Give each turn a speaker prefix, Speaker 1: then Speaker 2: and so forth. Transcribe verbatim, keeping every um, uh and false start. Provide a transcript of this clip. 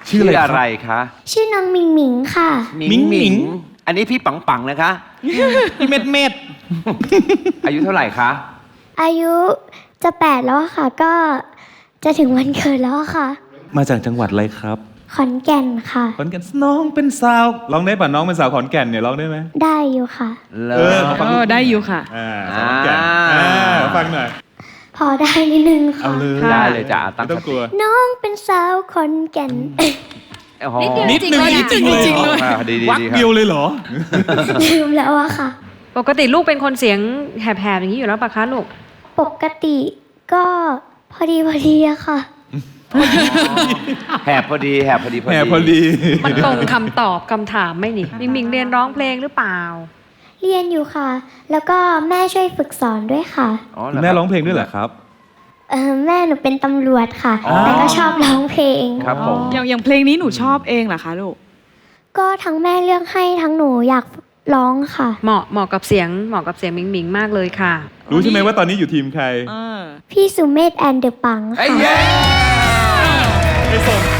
Speaker 1: ชื่ออะไรคะ
Speaker 2: ชื่อน้องมิงมิงค่ะ
Speaker 1: มิงมิงอันนี้พี่ปังปังนะคะ
Speaker 3: พี่เม็ดเม็ด
Speaker 1: อายุเท่าไหร่คะ
Speaker 2: อายุจะแปดแล้วค่ะ ก็จะถึงวันเกิดแล้วค่ะ
Speaker 3: มาจากจังหวัดอะไรครับ
Speaker 2: ขอนแก่นค่ะ
Speaker 3: ขอนแก่นน้องเป็นสาวร้องได้ป่ะน้องเป็นสาวขอนแก่นเนี่ยร้องได้ไหม
Speaker 2: ได้อยู่ค่ะ
Speaker 1: เล
Speaker 3: เออ
Speaker 1: ย
Speaker 3: ฟัง
Speaker 4: เออได้อยู่ค่ะ
Speaker 3: อ่าสาวขอนแก่นอ่าฟังหน่อย
Speaker 2: พอได้นิดนึงค่ะ
Speaker 3: เอาเลย
Speaker 1: ได้เลยจ้ะตั้
Speaker 3: ไม่
Speaker 1: ง
Speaker 3: ต้องกลัว
Speaker 2: น้องเป็นสาวขอนแก่น
Speaker 1: โอ้โห
Speaker 4: นิดเดียว
Speaker 3: นิดนึง
Speaker 4: จริงๆ
Speaker 3: นิดนึง
Speaker 4: จริงๆเลย
Speaker 1: อ่าดีดี
Speaker 3: วัก
Speaker 1: ดีค
Speaker 3: เดี
Speaker 1: รั
Speaker 3: ยว
Speaker 1: บ
Speaker 3: เลยเหรอ
Speaker 2: ลืมแล้วอะค่ะ
Speaker 4: ปกติลูกเป็นคนเสียงแหบๆอย่างนี้อยู่แล้วปะคะลูก
Speaker 2: ปกติก็พอดีพอดีอะค่ะ
Speaker 1: แหบพอดีแหบพอดี
Speaker 3: แหมพอดี
Speaker 4: มันตรงคำตอบคำถามไหม่นี่มิงมิงเรียนร้องเพลงหรือเปล่า
Speaker 2: เรียนอยู่ค่ะ แล้วก็แม่ช่วยฝึกสอนด้วยค่ะ
Speaker 1: อ๋อเห
Speaker 3: คุณ
Speaker 1: คบ
Speaker 3: แม่ร้องเพลงด้วยเหรอครับ
Speaker 2: เออแม่หนูเป็นตำรวจค่ะ
Speaker 1: อ๋อ
Speaker 2: แต่ก็ชอบร้องเพลง
Speaker 1: ครับผม
Speaker 5: อย่างอย่างเพลงนี้หนูชอบเองเหรอคะลูก
Speaker 2: ก็ทั้งแม่เลือกให้ทั้งหนูอยากร้องค่ะ
Speaker 4: เหมาะเหมาะกับเสียงเหมาะกับเสียงมิงมิงมากเลยค่ะ
Speaker 3: รู้ใช่ไหมว่าตอนนี้อยู่ทีมใคร
Speaker 5: เออ
Speaker 2: พี่สุเมธแอนเดอะปัง
Speaker 1: ไอ้
Speaker 2: ค่ะ
Speaker 1: เย้
Speaker 3: ไปส่ง